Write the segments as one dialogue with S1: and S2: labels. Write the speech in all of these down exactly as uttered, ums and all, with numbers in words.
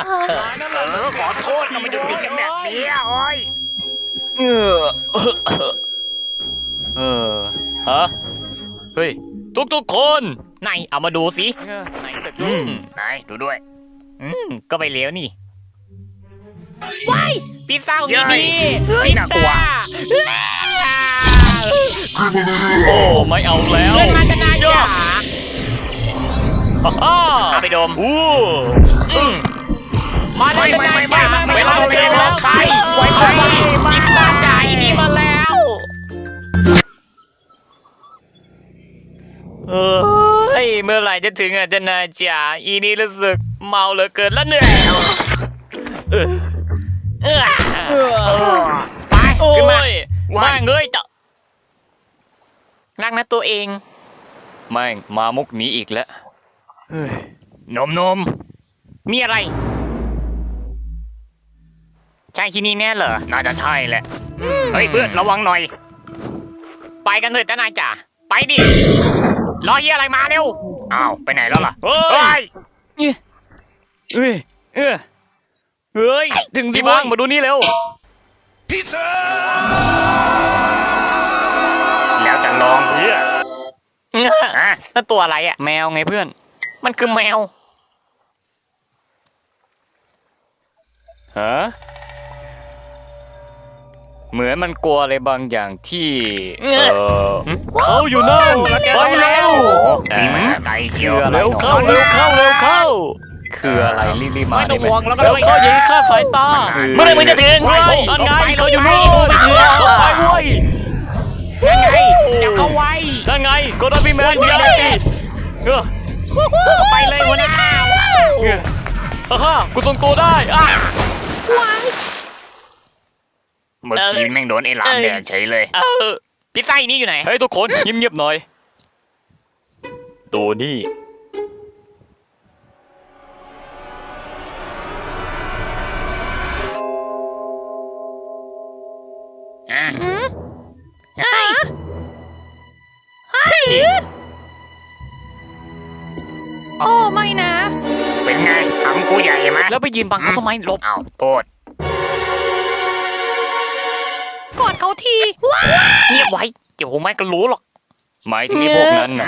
S1: อขอโทษก็มาหยุดติดกันแบบนี้โอ้ยเออเออฮะเฮ้ยทุกๆคนไหนเอามาดูสิไหนสักอืมไหนดูด้วยอืมก็ไปเลี้ยวนี่ว้ายพิซซ่าของนี่ดีพิซซ่าโอ้ไม่เอาแล้วเพื่อนมาจะนายจ๋าเอาไปดมอู้มาแล้วจะนายจ๋าไม่เอาแล้วใครไว้ไปพิซซ่าจ่ายนี่มาแล้วเฮ้ยเมื่อไหร่จะถึงอ่ะจะนายจ๋าอีนี่รู้สึกเมาเหลือเกินแล้วเหนื่อยเออเออไปขึ้นมาว่างเงยต่อรักนะตัวเองแม่งมามุกนี้อีกแล้วนมนมมีอะไรใช่ที่นี่แน่เหรอน่าจะใช่แหละเฮ้ยเพื่อนระวังหน่อยไปกันเถอะจ้านายจ๋าไปดิรอเฮียอะไรมาเร็วอ้าวไปไหนแล้วล่ะเฮ้ยเฮ้ยเฮ้ยเฮ้ยถึงที่บ้างมาดูนี่เร็วพิซซ่าแล้วจะลองเพื่ออ่ะนั่นตัวอะไรอ่ะแมวไงเพื่อนมันคือแมวฮะเหมือนมันกลัวอะไรบางอย่างที่เออเขาอยู่นั่นไปเร็วนี่มันไกลเชียวเร็วเข้าเร็วเข้าเร็วเข้าคืออะไรรีบๆมาได้ไหมแล้วเขายิงฆ่าสายตาเมื่อไรมึงจะถึงเว้ยอันไงเขาอยู่นู่นไปเถอะไปเว้ยนั่นไงจับเขาไว้นั่นไงโกดาบิแมนยัยเออไปเลยหัวหน้าฮ่าฮ่ากูทรงตัวได้อ่ะเมื่อกี้แม่งโดนไอ้หลามแดดเฉยเลยเออพิซซ่าอีนี่อยู่ไหนเฮ้ยทุกคนเงียบๆหน่อยตัวนี่อ่ะเฮ้ยเฮ้ยโอ้ไม่นะเป็นไงทำกูใหญ่ไหมแล้วไปยืนบังเขาทำไมลบอ้าวโทษกอดเขาทีเงียบไว้เดี๋ยวผมไม่ก็รู้หรอกหมายถึงไอ้พวกนั้นนะ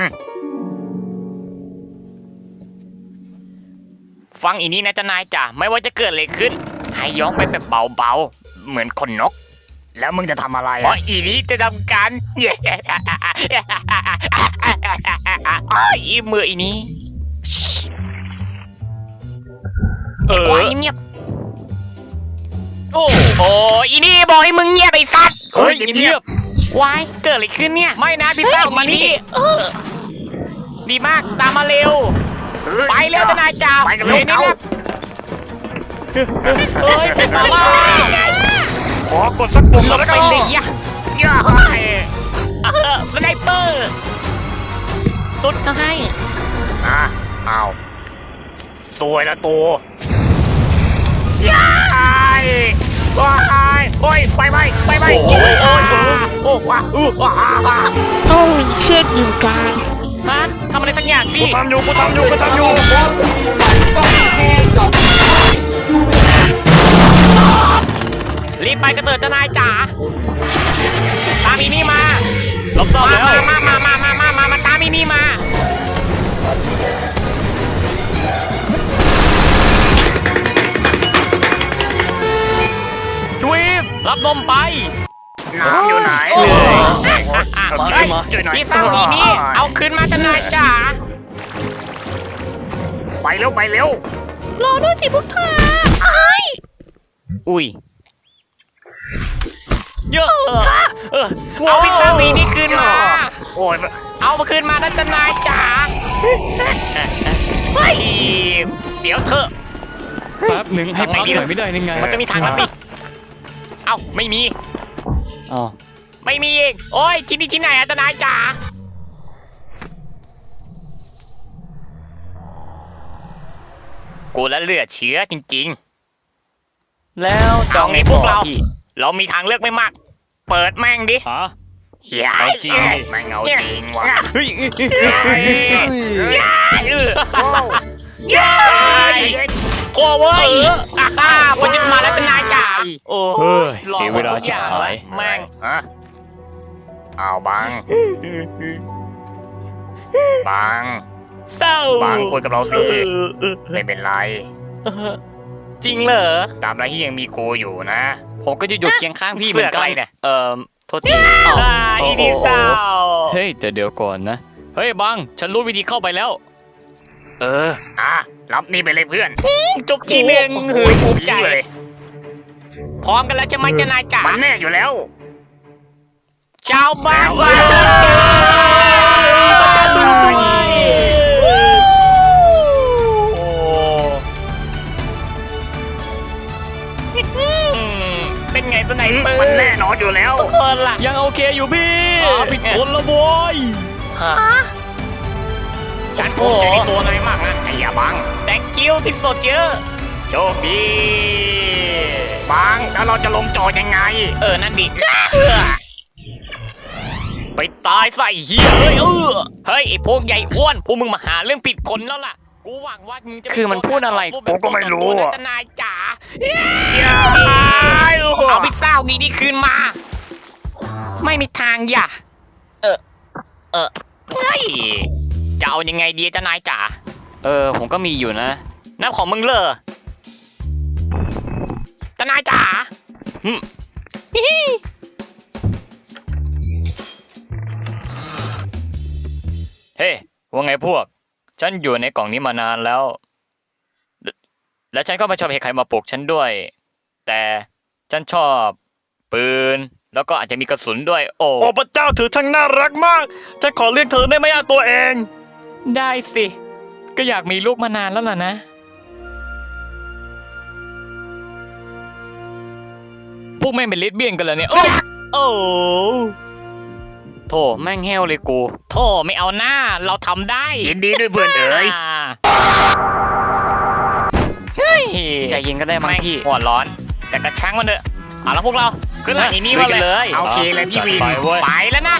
S1: ฟังอีนี้นะจ๊ะนายจ๋าไม่ว่าจะเกิดอะไรขึ้นให้ย้องไปแบบเบาๆเหมือนคนนกแล้วมึงจะทำอะไรเพราะอีนี้จะทำการอีมืออีนี้เออเงียบโอ้โหอีนี่บอกให้มึงเงียบไปสัตว์เฮ้ยเงียบวายเกิดอะไรขึ้นเนี่ยไม่นะพิซซ่ามานี่ดีมากตามมาเร็วไปเร็วทนายจ่าไปกันเร็วเขาเฮ้ยเป็นมาล่าขอกดสักปุ่มแล้วก็ไปเลยย่าย่าให้เออสไนเปอร์ตุ๊ดเขาให้อ่ะเอาสวยละตัวย้ายว้ายโอ้ยไฟไหม้ไฟไหม้โอ้ยโอ้ยโอ้ว้าอู้ว้า
S2: โอ้ยเครียดอยู่กาย
S1: ฮะทำอะไรสักอย่างสิกูทำอยู่กูทำอยู่กูทำอยู่รีบไปกระเติดทนายจ๋าตามอีนี่มาลบซ่อมแล้วมามามามามามามาตามอีนี่มาจุ๊บรับนมไปน้ำอยู่ไหนเลยพี่สาวอีนี่เอาคืนมาทนายจ๋าไปเร็วไปเร็ว
S2: รอด้วยสิพวกเธอไอ้
S1: อุ้ยเยอะเอาพี่สาวอีนี่คืนมาโอ้ยเอามาคืนมาทนายจ๋าเฮ้ยเดี๋ยวเถอะ
S3: แป๊บหนึ่งให้พักหน่อยไม่ได้ยังไง
S1: มันจะมีทางลัดดิเอ้าไม่มี
S3: อ๋อ
S1: ไม่มีเองโอ้ยที่นี่ที่ไหนอะทนายจ๋ากูแล้วเลือดเชื้อจริงๆแล้วจองไงพวกเราเรามีทางเลือกไม่มากเปิดแม่งดิ
S3: ฮะ
S1: เอาจริงไม่เอาจริงว่ะเฮ้ย
S4: กลัวเว้ยอ่าฮ่าผมจะมาแล้วทนายจ๋าโอ้
S1: เฮ้ยเสียเวลาชิบหาย
S4: แม่ง
S1: ฮะเอาบังบัง
S4: เศร้า
S1: บังคุยกับเราสิไม่เป็นไร
S4: จริงเหรอ
S1: ตามไรที่ยังมีกูอยู่นะ
S3: ผมก็จะอยู่เคียงข้างพี่เหมือนกัน
S1: เสือกอะไรเนี่ย
S3: เอ่อโทษที
S4: อ่าอีดีเศร้า
S3: เฮ้ยแต่เดี๋ยวก่อนนะ เฮ้ยบัง ฉันรู้วิธีเข้าไปแล้ว
S1: เอออ่ะรับนี่ไปเลยเพื่อน
S4: จบทีหนึ่งหือภูมิใจ
S1: เลย
S4: พร้อมกันแล้วใช่ไหมทนายจ๋า
S1: มันแน่อยู่แล้ว
S4: ชาวบ้าน
S1: แล้ว
S4: ว่าพระเจ้าช่วยด้วยเป็นไงสไนเปอร์
S1: มันแน่นอนอยู่แล้ว
S4: คนล่ะ
S3: ยังโอเคอยู่พี่
S4: ขาผิดคนละโว้ย
S1: ฉันภูมิใจในตัวนายมากนะไอ้ยาบัง
S4: thank you ที่สดเยอะ
S1: โชคดีบังแล้วเราจะลงจอยังไง
S4: เออ นั่นดิไปตายใส่เฮียเฮ้ยเออเฮ้ยไอ้พวกใหญ่อ้วนพวกมึงมาหาเรื่องผิดคนแล้วล่ะ กูหวังว่ามึงจะ
S3: คือมันพูดอะไร
S1: กูก็ไม่รู้อะ
S4: ทนายจ๋าเอาพิซซ่าดีนี่คืนมา ไม่มีทางอย่าเออ เออเฮ้ยจะเอายังไงดีทนายจ๋า
S3: เออ ผมก็มีอยู่นะ
S4: น้ำของมึงเลยทนายจ๋า
S3: เฮ้ยว่าไงพวก ฉันอยู่ในกล่องนี้มานานแล้ว และและฉันก็ไม่ชอบให้ใครมาปลุกฉันด้วย แต่ฉันชอบปืน แล้วก็อาจจะมีกระสุนด้วย โอ้
S1: โอ้พระเจ้าถือทั้งน่ารักมาก ฉันขอเรียกเธอได้ไหมอ่ะตัวเอง
S3: ได้สิ ก็อยากมีลูกมานานแล้วล่ะนะ พวกแม่งเป็นเลสเบี้ยนกันเลยเนี่ย โอ้โอ้โธ่แม่งแห้วเลยกู
S4: โธ่ไม่เอาหน้า เราทำได้
S1: ยินดีด้วยเพื่อนเอ๋ย
S4: เฮ้ย
S3: ใจเย็นก็ได้มั้ง
S4: แม่ง
S3: พี่
S4: หัวร้อน แต่กระชังมันเถอะเอาละพวกเราขึ้นหลังอีนี่มาเลย
S1: เอาเคเลยพี่วิน
S3: ไปเว้ย
S4: ไปแล้วนะ